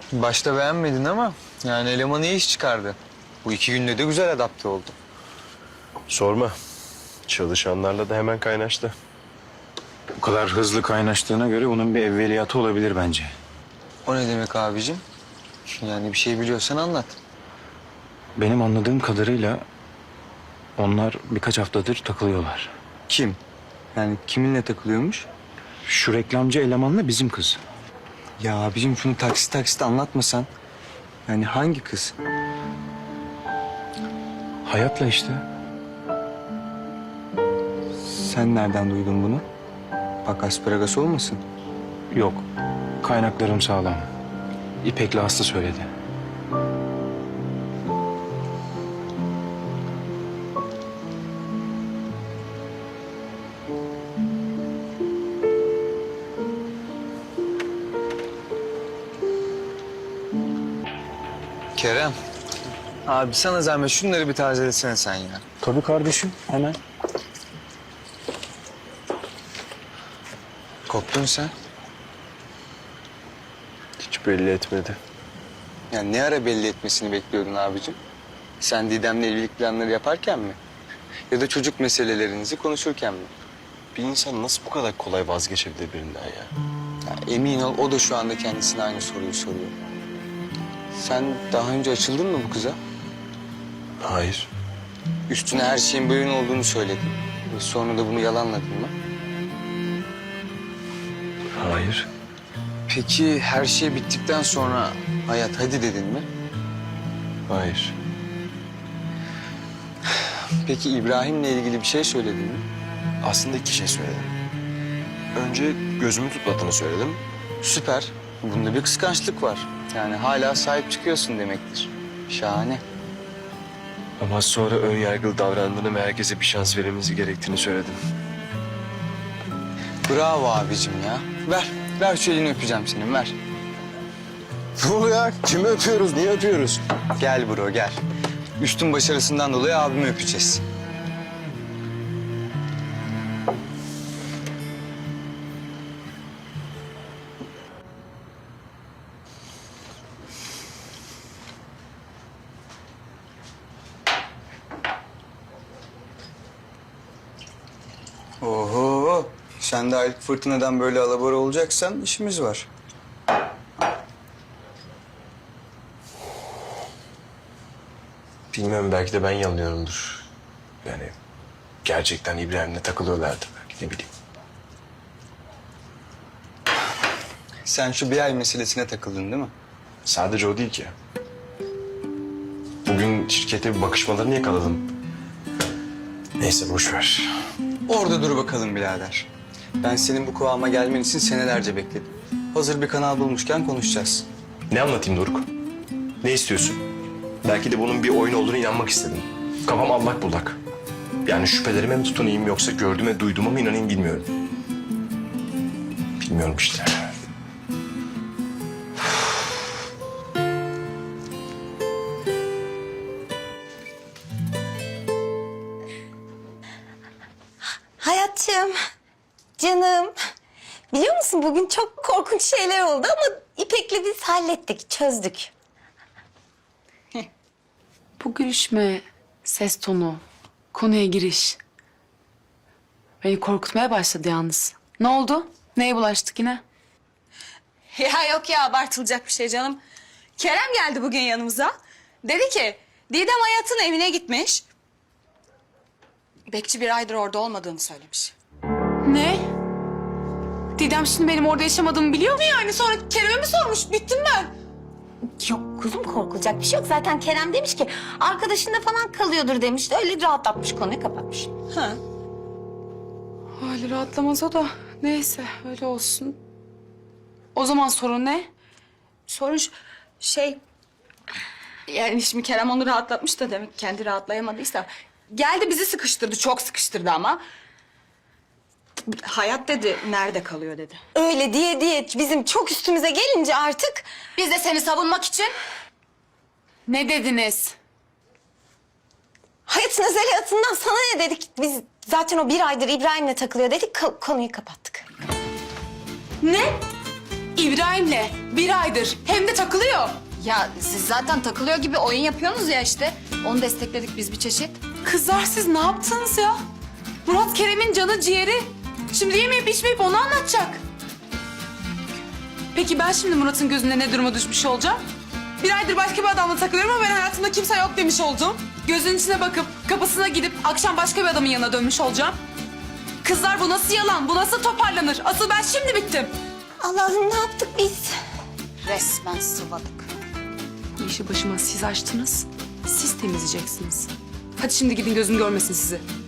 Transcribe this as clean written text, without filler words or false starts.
Başta beğenmedin ama yani eleman iyi iş çıkardı. Bu 2 günde de güzel adapte oldu. Sorma. Çalışanlarla da hemen kaynaştı. Bu kadar hızlı kaynaştığına göre bunun bir evveliyatı olabilir bence. O ne demek abicim? Yani bir şey biliyorsan anlat. Benim anladığım kadarıyla onlar birkaç haftadır takılıyorlar. Kim? Yani kiminle takılıyormuş? Şu reklamcı elemanla bizim kız. Ya abicim şunu taksit taksit anlatmasan. Yani hangi kız? Hayatla işte. Sen nereden duydun bunu? Bak asparagas olmasın. Yok. Kaynaklarım sağlam. İpek'le Aslı söyledi. Kerem. Abi sana zahmet şunları bir tazelesene sen ya. Tabii kardeşim, hemen. Korktun sen. Hiç belli etmedi. Yani ne ara belli etmesini bekliyordun abicim? Sen Didem'le evlilik planları yaparken mi? Ya da çocuk meselelerinizi konuşurken mi? Bir insan nasıl bu kadar kolay vazgeçebilir birinden ya? Ya emin ol o da şu anda kendisine aynı soruyu soruyor. Sen daha önce açıldın mı bu kıza? Hayır. Üstüne her şeyin böyle olduğunu söyledin. Ve sonra da bunu yalanladın mı? Hayır. Peki her şey bittikten sonra hayat hadi dedin mi? Hayır. Peki İbrahim'le ilgili bir şey söyledin mi? Aslında iki şey söyledim. Önce gözümü tutmadığını söyledim. Süper. Bunda bir kıskançlık var. Yani hala sahip çıkıyorsun demektir. Şahane. Ama sonra ön yargılı davrandığını ve herkese bir şans verilmesi gerektiğini söyledim. Bravo abicim ya. Ver. Ver şu elini öpeceğim senin ver. Ne oluyor ya? Kimi öpüyoruz? Niye öpüyoruz? Gel bro gel. Üstün başarısından dolayı abimi öpeceğiz. Oho. Sen de aylık fırtınadan böyle alabora olacaksan işimiz var. Bilmiyorum, belki de ben yanılıyorumdur. Yani gerçekten İbrahim'le takılıyorlardı belki, ne bileyim. Sen şu bir ay meselesine takıldın değil mi? Sadece o değil ki. Bugün şirkete bir bakışmalarını yakaladım. Neyse boş ver. Orada dur bakalım birader. Ben senin bu kıvama gelmen için senelerce bekledim. Hazır bir kanal bulmuşken konuşacağız. Ne anlatayım Doruk? Ne istiyorsun? Belki de bunun bir oyun olduğunu inanmak istedim. Kafam allak bullak. Yani şüphelerime mi tutunayım yoksa gördüğüme duyduğuma mı inanayım bilmiyorum. Bilmiyorum işte. Hayatım, canım. Biliyor musun bugün çok korkunç şeyler oldu ama İpek'le biz hallettik, çözdük. Bu gülüşme, ses tonu, konuya giriş. Beni korkutmaya başladı yalnız. Ne oldu? Neye bulaştık yine? Ya yok ya abartılacak bir şey canım. Kerem geldi bugün yanımıza. Dedi ki Didem Hayat'ın evine gitmiş. Bekçi bir aydır orada olmadığını söylemiş. Ne? Didem şimdi benim orada yaşamadığımı biliyor mu yani? Sonra Kerem'e mi sormuş? Bittim ben. Yok kuzum korkulacak bir şey yok. Zaten Kerem demiş ki arkadaşında falan kalıyordur demiş. Öyle rahatlatmış konuyu kapatmış. Ha. Hali rahatlamaz o da. Neyse öyle olsun. O zaman sorun ne? Sorun şey... Yani şimdi Kerem onu rahatlatmış da demek kendi rahatlayamadıysa. Geldi bizi sıkıştırdı, çok sıkıştırdı ama. Hayat dedi, nerede kalıyor dedi. Öyle diye bizim çok üstümüze gelince artık... Biz de seni savunmak için Ne dediniz? Hayatın özel hayatından sana ne dedik? Biz zaten o bir aydır İbrahim'le takılıyor dedik. Konuyu kapattık. ne? İbrahim'le 1 aydır hem de takılıyor. Ya siz zaten takılıyor gibi oyun yapıyorsunuz ya işte. Onu destekledik biz bir çeşit. Kızlar siz ne yaptınız ya? Murat Kerem'in canı ciğeri. Şimdi yemeyip içmeyip onu anlatacak. Peki ben şimdi Murat'ın gözünde ne duruma düşmüş olacağım? 1 aydır başka bir adamla takılıyorum ama ben hayatımda kimse yok demiş olacağım. Gözünün içine bakıp kapısına gidip akşam başka bir adamın yanına dönmüş olacağım. Kızlar bu nasıl yalan? Bu nasıl toparlanır? Asıl ben şimdi bittim. Allah'ım ne yaptık biz? Resmen sıvadık. Bu işi başıma siz açtınız. Siz temizleyeceksiniz. Hadi şimdi gidin gözüm görmesin sizi.